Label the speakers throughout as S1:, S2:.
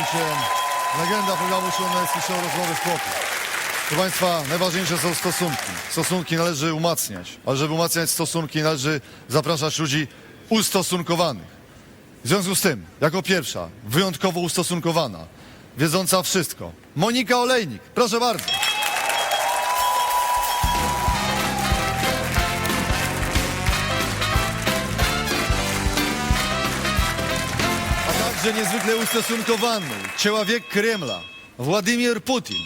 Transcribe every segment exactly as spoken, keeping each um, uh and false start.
S1: Słuchajcie, legenda programu Show Męski Show Rozmowy w Chłopu. Proszę Państwa, najważniejsze są stosunki. Stosunki należy umacniać, ale żeby umacniać stosunki, należy zapraszać ludzi ustosunkowanych. W związku z tym, jako pierwsza, wyjątkowo ustosunkowana, wiedząca wszystko, Monika Olejnik. Proszę bardzo. A także niezwykle ustosunkowany, człowiek Kremla, Władimir Putin.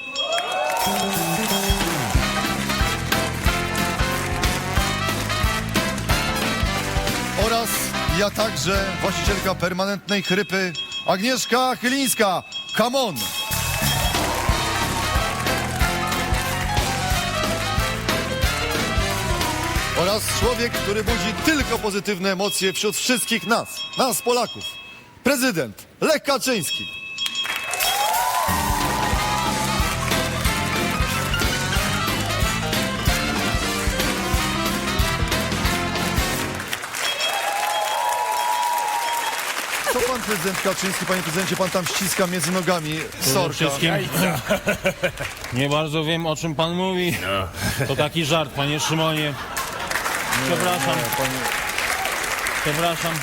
S1: Oraz ja także, właścicielka permanentnej chrypy, Agnieszka Chylińska. Come on! Oraz człowiek, który budzi tylko pozytywne emocje wśród wszystkich nas, nas Polaków. Prezydent Lech Kaczyński. Co pan prezydent Kaczyński, panie prezydencie, pan tam ściska między nogami
S2: Przede
S1: sorka?
S2: wszystkim nie bardzo wiem, o czym pan mówi. To taki żart, panie Szymonie. Przepraszam,
S1: Nie, panie...
S2: przepraszam.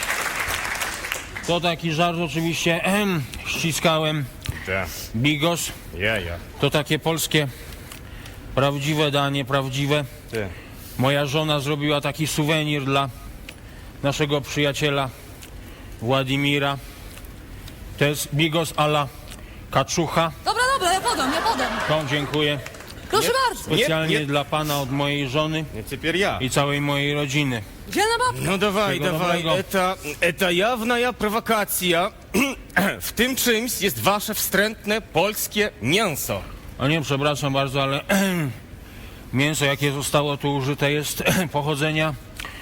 S2: To taki żart oczywiście. Ehem, ściskałem
S3: Tak,
S2: bigos.
S3: ja, ja.
S2: To takie polskie prawdziwe danie, prawdziwe.
S3: Ty.
S2: Moja żona zrobiła taki suwenir dla naszego przyjaciela Władimira. To jest bigos a la kaczucha.
S4: Dobra, dobra, ja podam, ja podam.
S2: To dziękuję.
S4: Proszę bardzo.
S2: Specjalnie
S3: Nie, nie.
S2: dla pana od mojej żony
S3: Nie, теперь я.
S2: i całej mojej rodziny.
S4: Dzielna babka.
S3: Ну давай,
S2: Всего
S3: давай,
S2: доброго.
S3: это, это явная провокация. W tym czymś jest wasze wstrętne polskie mięso.
S2: O nie, przepraszam bardzo, ale mięso, jakie zostało tu użyte, jest pochodzenia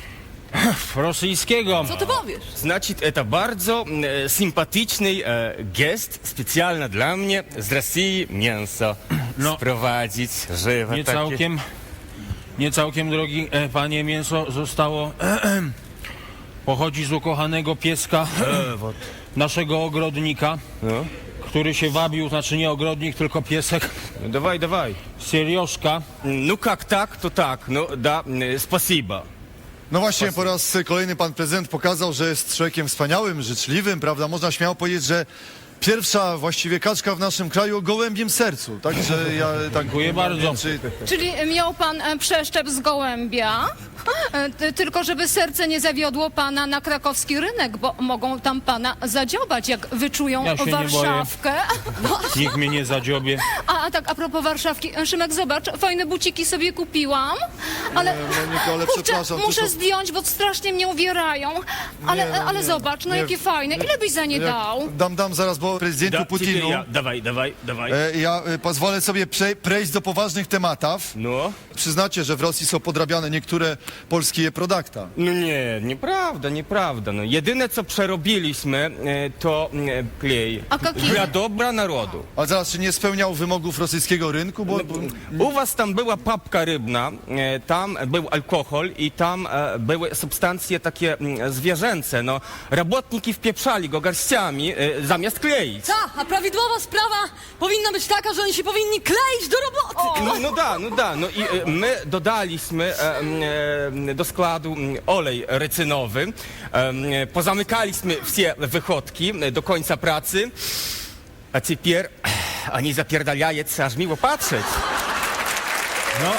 S2: rosyjskiego.
S4: Co ty powiesz?
S3: Значит, это bardzo e, sympatyczny e, gest, specjalny dla mnie, z Rosji mięso
S2: No.
S3: sprowadzić, żywe
S2: Nie
S3: takie.
S2: całkiem, nie całkiem, drogi e, panie, mięso zostało, pochodzi z ukochanego pieska naszego ogrodnika,
S3: No.
S2: który się wabił, znaczy nie ogrodnik, tylko piesek,
S3: No dawaj, dawaj.
S2: Seriożka.
S3: Ну как так, то так. Ну да, e, спасибо.
S1: No właśnie, po raz kolejny pan prezydent pokazał, że jest człowiekiem wspaniałym, życzliwym, prawda? Można śmiało powiedzieć, że pierwsza właściwie kaczka w naszym kraju o gołębiem sercu. Także ja tak...
S2: Dziękuję bardzo.
S1: Czy,
S5: Czyli miał pan e, przeszczep z gołębia, e, ty- tylko żeby serce nie zawiodło pana na krakowski rynek, bo mogą tam pana zadziobać, jak wyczują
S2: Ja się nie
S5: Warszawkę. No,
S2: Nikt mnie nie zadziobie.
S5: a, a tak, a propos Warszawki, Szymek, zobacz, fajne buciki sobie kupiłam, ale
S1: Nie, Moniko, ale
S5: kurczę,
S1: przepraszam, to
S5: muszę
S1: są-
S5: zdjąć, bo strasznie mnie uwierają. Ale,
S1: Nie, no
S5: ale
S1: nie,
S5: zobacz, no
S1: nie.
S5: jakie fajne, ile byś za nie
S1: jak,
S5: dał?
S1: dam, dam zaraz, bo prezydentu
S3: Да,
S1: Putinu...
S3: теперь я. Давай, давай, давай.
S1: E, ja e, pozwolę sobie prze, przejść do poważnych tematów.
S3: No.
S1: Przyznacie, że w Rosji są podrabiane niektóre polskie produkty.
S3: No nie, nieprawda, nieprawda. No, jedyne co przerobiliśmy e, to e, klej.
S5: A jaki?
S3: Dla dobra narodu.
S1: Ale zaraz, czy nie spełniał wymogów rosyjskiego rynku? Bo, bo...
S3: U was tam była papka rybna, e, tam był alkohol i tam e, były substancje takie mm, zwierzęce. No, robotniki wpieprzali go garściami e, zamiast kleić.
S4: Ta, a prawidłowa sprawa powinna być taka, że oni się powinni kleić do roboty.
S3: No, no da, no da. No i e, my dodaliśmy e, e, do składu m, olej recynowy, e, pozamykaliśmy wszystkie wychodki e, do końca pracy, a теперь oni zapierdalają, aż miło patrzeć.
S2: No,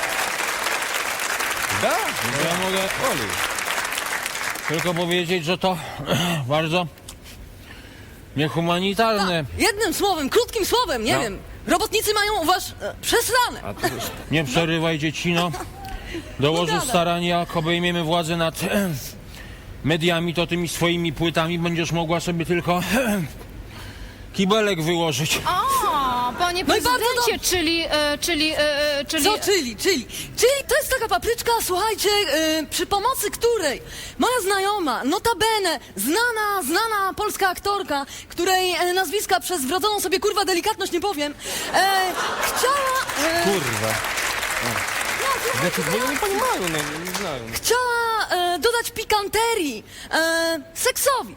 S3: Da,
S2: ja mogę
S3: olej.
S2: tylko powiedzieć, że to bardzo niehumanitarne.
S4: Jednym słowem, krótkim słowem, nie
S2: No.
S4: wiem. Robotnicy mają u was e, przesrane.
S3: A to już
S2: Nie przerywaj, dziecino. Dołożysz
S4: gadaj.
S2: starań, jak obejmiemy władzę nad mediami, to tymi swoimi płytami będziesz mogła sobie tylko kibelek wyłożyć.
S5: A, panie
S4: No i bardzo
S5: prezydencie, czyli, e, czyli, e, czyli...
S4: Co, czyli, czyli? Czyli to jest taka papryczka, słuchajcie, e, przy pomocy której moja znajoma, notabene, znana, znana polska aktorka, której e, nazwiska przez wrodzoną sobie kurwa delikatność nie powiem, e, chciała... E,
S3: kurwa. Znaczy, bo ja nie poнимаю, no, nie znają.
S4: chciała e, dodać pikanterii e, seksowi.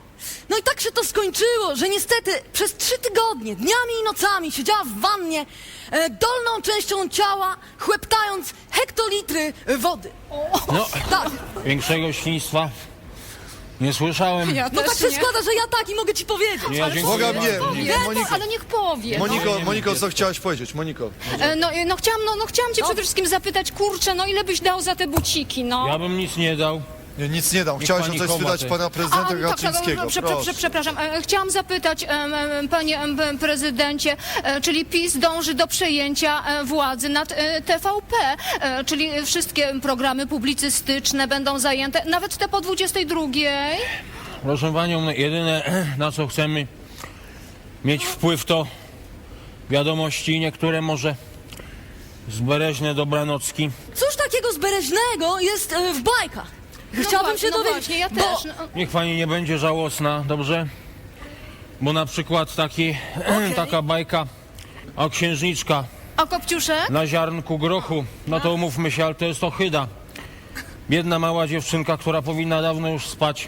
S4: No i tak się to skończyło, że niestety przez trzy tygodnie, dniami i nocami siedziała w wannie e, dolną częścią ciała, chłeptając hektolitry wody.
S2: No,
S4: Tak,
S2: większego świństwa nie słyszałem.
S5: Ja
S4: no
S5: też
S4: tak się
S5: nie.
S4: składa, że ja tak i mogę ci powiedzieć.
S2: Ja dziękuję
S1: Boga mnie,
S2: bardzo.
S1: nie,
S5: Nie, no,
S1: Moniko,
S5: ale niech powie. no.
S1: Moniko,
S2: nie
S1: Moniko,
S2: mówię.
S1: co chciałaś powiedzieć? Moniko.
S5: E, No, e, no, chciałam, no, no chciałam cię przede wszystkim zapytać, kurczę, no ile byś dał za te buciki, no?
S2: Ja bym nic nie dał.
S1: Nie, nic nie dam. Chciałaś
S2: pani
S1: o coś
S2: chowa,
S1: spytać
S2: ty.
S1: pana prezydenta
S5: tak,
S1: Kaczyńskiego.
S5: no, prze, prze,
S1: Proszę.
S5: prze, przepraszam, e, chciałam zapytać, em, em, panie em, em, prezydencie, e, czyli PiS dąży do przejęcia e, władzy nad e, T V P, e, czyli wszystkie programy publicystyczne będą zajęte, nawet te po dwudziestej drugiej?
S2: Proszę panią, no jedyne na co chcemy mieć wpływ to wiadomości, niektóre może zbereźne dobranocki.
S4: Cóż takiego zbereźnego jest e, w bajkach?
S5: No
S4: Chciałabym
S5: właśnie,
S4: się
S5: no
S4: dowiedzieć,
S5: właśnie, ja
S4: bo
S5: też. No.
S2: Niech pani nie będzie żałosna, dobrze? Bo na przykład taki,
S4: Okej.
S2: taka bajka o księżniczka
S5: A Kopciuszek?
S2: na ziarnku grochu, no to umówmy się, ale to jest ohyda. Biedna mała dziewczynka, która powinna dawno już spać,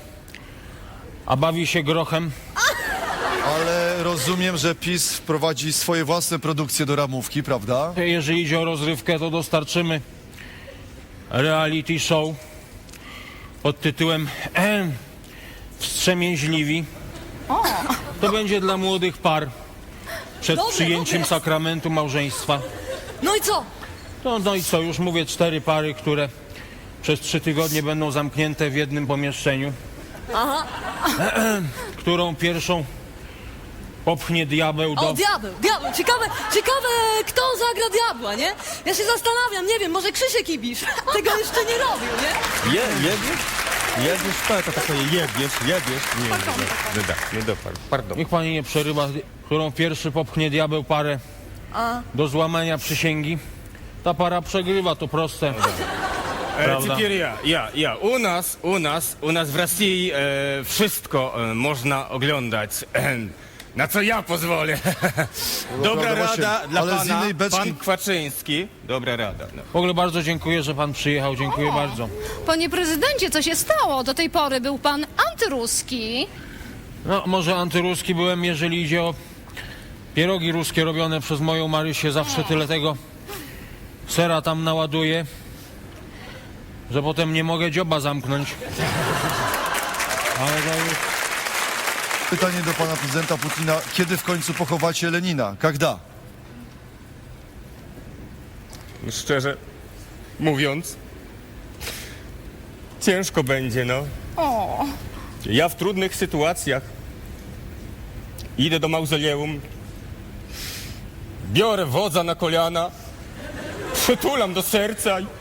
S2: a bawi się grochem.
S1: Ale rozumiem, że PiS wprowadzi swoje własne produkcje do ramówki, prawda?
S2: Jeżeli idzie o rozrywkę, to dostarczymy reality show pod tytułem em, Wstrzemięźliwi. To będzie dla młodych par przed
S4: Dobre,
S2: przyjęciem
S4: dobre.
S2: sakramentu małżeństwa.
S4: no i co?
S2: No, no i co, już mówię, cztery pary, które przez trzy tygodnie będą zamknięte w jednym pomieszczeniu.
S4: Aha,
S2: Którą pierwszą popchnie diabeł
S4: o
S2: do...
S4: diabeł, diabeł, ciekawe, ciekawe kto zagra diabła, nie? Ja się zastanawiam, nie wiem, może Krzysiek Ibisz tego jeszcze nie robił, nie?
S3: Je, jedziesz? Jedziesz, tak, to takie jedziesz, jedziesz. Nie, nie, nie, nie, nie, nie dopadł, pardon.
S2: Niech pani nie przerywa, którą pierwszy popchnie diabeł parę
S4: A.
S2: do złamania przysięgi. Ta para przegrywa, to proste.
S3: E,
S2: Prawda.
S3: Теперь ja, ja, ja. U nas, u nas, u nas w Rosji e, wszystko e, można oglądać. E, na co ja pozwolę. Dobra
S1: prawda, właśnie,
S3: rada dla
S1: ale z
S3: pana,
S1: innej beczki-
S3: pan Kwaczyński. Dobra rada. No.
S2: W ogóle bardzo dziękuję, że pan przyjechał, dziękuję bardzo.
S5: Panie prezydencie, co się stało? Do tej pory był pan antyruski.
S2: No, może antyruski byłem, jeżeli idzie o pierogi ruskie robione przez moją Marysię, zawsze tyle tego sera tam naładuję, że potem nie mogę dzioba zamknąć. Ale to już...
S1: Pytanie do pana prezydenta Putina. Kiedy w końcu pochowacie Lenina? Когда?
S3: Szczerze mówiąc, ciężko będzie, no.
S5: O,
S3: Ja w trudnych sytuacjach idę do mauzoleum, biorę wodza na kolana, przytulam do serca i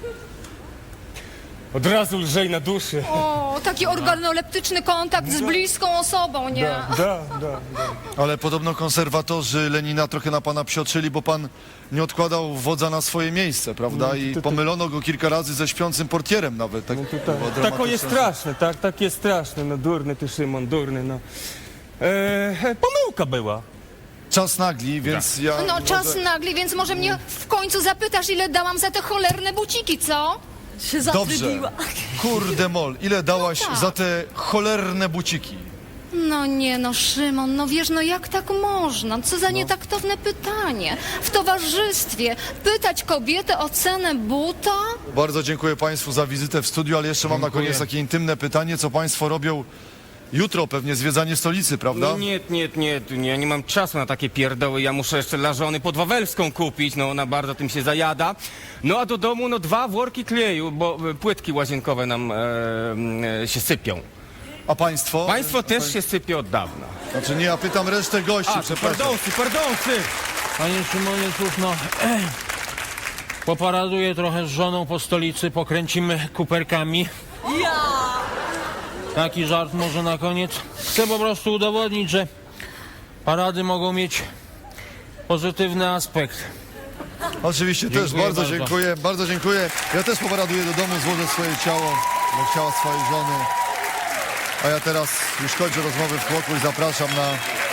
S3: od razu lżej na duszy.
S5: o, taki organoleptyczny kontakt z bliską osobą, nie?
S3: Da, da, da.
S1: Ale podobno konserwatorzy Lenina trochę na pana psioczyli, bo pan nie odkładał wodza na swoje miejsce, prawda? I pomylono go kilka razy ze śpiącym portierem nawet. Tak, było
S3: Tako jest
S1: dramatyczne.
S3: straszne, tak, tak jest straszne, no durny ty Szymon, durny, no. E, pomyłka była.
S1: Czas nagli, więc ja...
S5: No czas
S1: może-
S5: nagli, więc może mnie w końcu zapytasz, ile dałam za te cholerne buciki, co?
S4: Się
S1: Dobrze.
S4: zatrybiła.
S1: Kurde mol, ile dałaś
S5: tak.
S1: za te cholerne buciki?
S5: No nie no, Szymon, no wiesz, no jak tak można? Co za nietaktowne pytanie. W towarzystwie pytać kobietę o cenę buta?
S1: Bardzo dziękuję państwu za wizytę w studiu, ale jeszcze mam na
S2: Dziękuję.
S1: koniec takie intymne pytanie, co państwo robią jutro, pewnie zwiedzanie stolicy, prawda?
S3: No nie, nie, nie, nie, ja nie mam czasu na takie pierdoły, ja muszę jeszcze dla żony podwawelską kupić, no ona bardzo tym się zajada. No a do domu no dwa worki kleju, bo e, płytki łazienkowe nam e, e, się sypią.
S1: A państwo?
S3: Państwo też się sypie od dawna.
S1: Znaczy nie, ja pytam resztę gości,
S3: A,
S1: przepraszam.
S3: pardonsy, pardonsy!
S2: Panie Szymonie, cóż no... Poparaduję trochę z żoną po stolicy, pokręcimy kuperkami.
S4: Ja!
S2: Taki żart może na koniec. Chcę po prostu udowodnić, że parady mogą mieć pozytywny aspekt.
S1: Oczywiście też
S2: Dziękuję
S1: bardzo,
S2: bardzo.
S1: dziękuję, bardzo dziękuję. Ja też poparaduję do domu, złożę swoje ciało do ciała swojej żony. A ja teraz już kończę rozmowy w tłoku i zapraszam na